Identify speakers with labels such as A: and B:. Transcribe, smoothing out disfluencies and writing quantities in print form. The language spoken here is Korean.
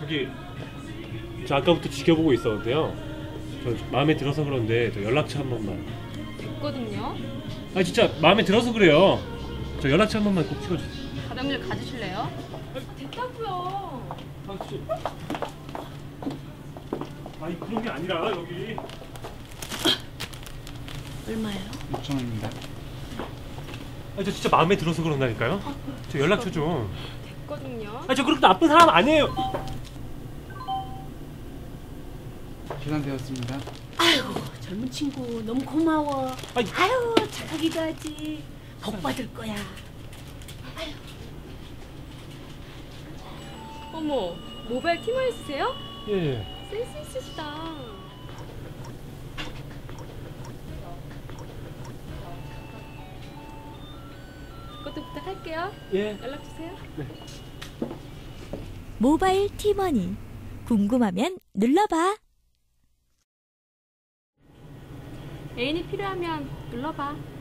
A: 저기 저 아까부터 지켜보고 있었는데요. 저 마음에 들어서 그런데 저 연락처 한 번만.
B: 됐거든요.
A: 아 진짜 마음에 들어서 그래요. 저 연락처 한 번만 꼭 찍어주세요.
B: 가방을 가지실래요? 됐다고요.
A: 아 진짜. 아니 그런 게 아니라 여기.
C: 얼마예요?
D: 6,000원입니다.
A: 아 저 진짜 마음에 들어서 그런다니까요. 저 연락처 좀.
B: 됐거든요.
A: 아 저 그렇게 나쁜 사람 아니에요.
D: 계산되었습니다.
C: 아이고 젊은 친구 너무 고마워.
A: 아이.
C: 아유 착하기도 하지. 복 받을 거야.
B: 어머, 모바일 티머니 쓰세요?
A: 예.
B: 센스 있으시다. 그것도 부탁할게요.
A: 예.
B: 연락 주세요.
E: 모바일 티머니. 궁금하면 눌러봐.
B: 애인이 필요하면 눌러봐.